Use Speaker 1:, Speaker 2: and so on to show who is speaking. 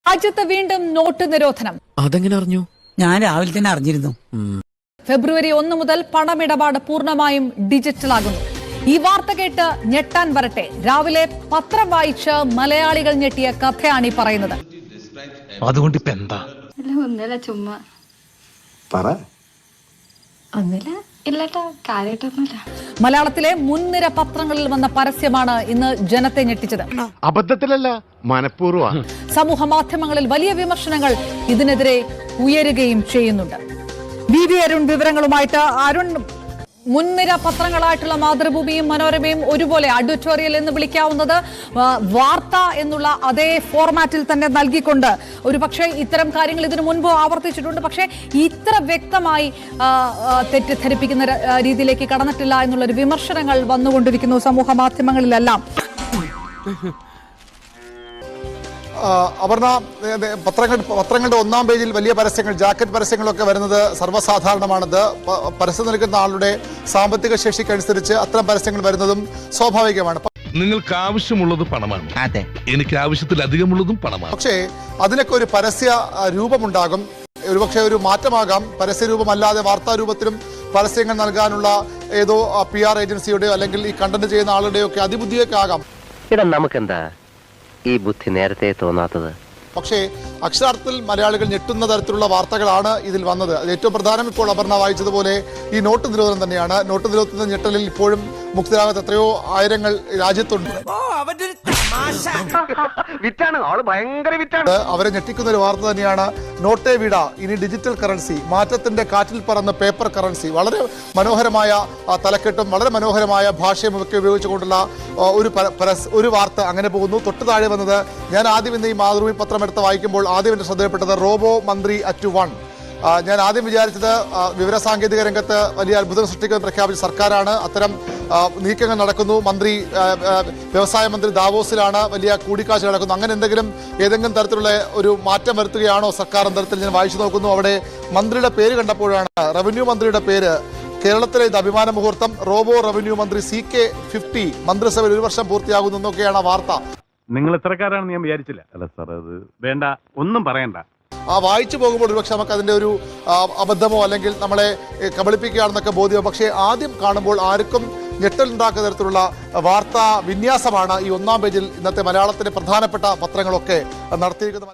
Speaker 1: രാജ്യത്ത് വീണ്ടും നോട്ട് നിരോധനം.
Speaker 2: അതെങ്ങനെ അറിഞ്ഞു?
Speaker 3: ഞാൻ രാവിലെ തന്നെ അറിഞ്ഞിരുന്നു.
Speaker 1: ഫെബ്രുവരി 1 മുതൽ പണമിടപാട് പൂർണ്ണമായും ഡിജിറ്റലാകുന്നു. ഈ വാർത്ത കേട്ട് ഞെട്ടാൻ വരട്ടെ. രാവിലെ പത്രം വായിച്ച് മലയാളികൾ ഞെട്ടിയ കഥയാണ് ഈ പറയുന്നത്.
Speaker 4: അതുകൊണ്ട് ഇപ്പൊ എന്താ?
Speaker 5: ഒന്നല്ല ചുമ്മാ
Speaker 4: പറ.
Speaker 5: ഒന്നില്ല ഇല്ലട്ടോ, കാര്യമായിട്ടൊന്നുമില്ല.
Speaker 1: മലയാളത്തിലെ മുൻനിര പത്രങ്ങളിൽ വന്ന പരസ്യമാണ് ഇന്ന് ജനത്തെ ഞെട്ടിച്ചത്.
Speaker 6: അബദ്ധത്തിലല്ല, മനഃപൂർവ്വ.
Speaker 1: സമൂഹ മാധ്യമങ്ങളിൽ വലിയ വിമർശനങ്ങൾ ഇതിനെതിരെ ഉയരുകയും ചെയ്യുന്നുണ്ട്. വി അരുൺ വിവരങ്ങളുമായിട്ട്. അരുൺ, മുൻനിര പത്രങ്ങളായിട്ടുള്ള മാതൃഭൂമിയും മനോരമയും ഒരുപോലെ അഡിറ്റോറിയൽ എന്ന് വിളിക്കാവുന്നത് വാർത്ത എന്നുള്ള അതേ ഫോർമാറ്റിൽ തന്നെ നൽകിക്കൊണ്ട് ഒരുപക്ഷെ ഇത്തരം കാര്യങ്ങൾ ഇതിനു മുൻപ് ആവർത്തിച്ചിട്ടുണ്ട്. പക്ഷേ ഇത്ര വ്യക്തമായി തെറ്റിദ്ധരിപ്പിക്കുന്ന രീതിയിലേക്ക് കടന്നിട്ടില്ല എന്നുള്ളൊരു വിമർശനങ്ങൾ വന്നുകൊണ്ടിരിക്കുന്നു സമൂഹ മാധ്യമങ്ങളിലെല്ലാം.
Speaker 7: അപർണ, പത്രങ്ങളുടെ ഒന്നാം പേജിൽ വലിയ പരസ്യങ്ങൾ, ജാക്കറ്റ് പരസ്യങ്ങളൊക്കെ വരുന്നത് സർവ്വസാധാരണമാണത്. പരസ്യം നൽകുന്ന ആളുടെ സാമ്പത്തിക ശേഷിക്കനുസരിച്ച് അത്തരം പരസ്യങ്ങൾ വരുന്നതും സ്വാഭാവികമാണ്.
Speaker 4: നിങ്ങൾക്ക് ആവശ്യമുള്ളത് പണമാണ്, അതെ, എനിക്ക് ആവശ്യത്തിലധികമുള്ളതും പണമാണ്.
Speaker 7: പക്ഷേ അതിനൊക്കെ ഒരു പരസ്യ രൂപമുണ്ടാകും. ഒരുപക്ഷെ ഒരു മാറ്റമാകാം. പരസ്യരൂപമല്ലാതെ വാർത്താരൂപത്തിലും പരസ്യങ്ങൾ നൽകാനുള്ള ഏതോ PR ഏജൻസിയുടെയോ അല്ലെങ്കിൽ ഈ കണ്ടന്റ് ചെയ്യുന്ന ആളുടെയോ ഒക്കെ അതിബുദ്ധിയൊക്കെ ആകാം.
Speaker 8: നമുക്കെന്താ ഈ ബുദ്ധി നേരത്തെ തോന്നാത്തത്?
Speaker 7: പക്ഷേ അക്ഷരാർത്ഥത്തിൽ മലയാളികൾ ഞെട്ടുന്ന തരത്തിലുള്ള വാർത്തകളാണ് ഇതിൽ വന്നത്. അത് ഏറ്റവും പ്രധാനം ഇപ്പോൾ അപർണ വായിച്ചതുപോലെ ഈ നോട്ട് നിരോധനം തന്നെയാണ്. നോട്ട് നിരോധനത്തിന്റെ ഞെട്ടലിൽ ഇപ്പോഴും മുക്തരാകാത്ത എത്രയോ ആയിരങ്ങൾ രാജ്യത്തുണ്ട്. അവരെ ഞെട്ടിക്കുന്ന ഒരു വാർത്ത തന്നെയാണ് നോട്ടേ വിട, ഇനി ഡിജിറ്റൽ കറൻസി, മാറ്റത്തിന്റെ കാറ്റിൽ പറന്ന് പേപ്പർ കറൻസി. വളരെ മനോഹരമായ തലക്കെട്ടും വളരെ മനോഹരമായ ഭാഷയും ഒക്കെ ഉപയോഗിച്ചുകൊണ്ടുള്ള ഒരു വാർത്ത അങ്ങനെ പോകുന്നു. തൊട്ട് താഴെ വന്നത്, ഞാൻ ആദ്യം ഇന്ന് ഈ മാതൃഭൂമി പത്രം എടുത്ത് വായിക്കുമ്പോൾ ആദ്യം എന്റെ ശ്രദ്ധയിൽപ്പെട്ടത് റോബോ മന്ത്രി @1. ഞാൻ ആദ്യം വിചാരിച്ചത് വിവരസാങ്കേതിക രംഗത്ത് വലിയ അത്ഭുതം സൃഷ്ടിക്കുമെന്ന് പ്രഖ്യാപിച്ച സർക്കാരാണ്. അത്തരം നീക്കങ്ങൾ നടക്കുന്നു. വ്യവസായ മന്ത്രി ദാവോസിലാണ്, വലിയ കൂടിക്കാഴ്ച നടക്കുന്നു. അങ്ങനെ ഏതെങ്കിലും തരത്തിലുള്ള ഒരു മാറ്റം വരുത്തുകയാണോ സർക്കാർ എന്ന തരത്തിൽ ഞാൻ വായിച്ചു നോക്കുന്നു. അവിടെ മന്ത്രിയുടെ പേര് കണ്ടപ്പോഴാണ്, റവന്യൂ മന്ത്രിയുടെ പേര്, കേരളത്തിലെ ഇത് അഭിമാന മുഹൂർത്തം, റോബോ റവന്യൂ മന്ത്രി CK50 മന്ത്രിസഭയിൽ 1 വർഷം പൂർത്തിയാകുന്നു എന്നൊക്കെയാണ് ആ വാർത്ത.
Speaker 9: നിങ്ങൾ ഇത്രക്കാരാണെന്ന് ഞാൻ വിചാരിച്ചില്ല. അല്ല സാർ, അത് വേണ്ട, ഒന്നും പറയണ്ട.
Speaker 7: വായിച്ചു പോകുമ്പോൾ ഒരുപക്ഷെ നമുക്ക് അതിൻ്റെ ഒരു അബദ്ധമോ അല്ലെങ്കിൽ നമ്മളെ കബളിപ്പിക്കുകയാണെന്നൊക്കെ ബോധ്യമോ. പക്ഷേ ആദ്യം കാണുമ്പോൾ ആർക്കും ഞെട്ടലുണ്ടാക്കുന്ന തരത്തിലുള്ള വാർത്താ വിന്യാസമാണ് ഈ ഒന്നാം പേജിൽ ഇന്നത്തെ മലയാളത്തിലെ പ്രധാനപ്പെട്ട പത്രങ്ങളൊക്കെ നടത്തിയിരിക്കുന്നത്.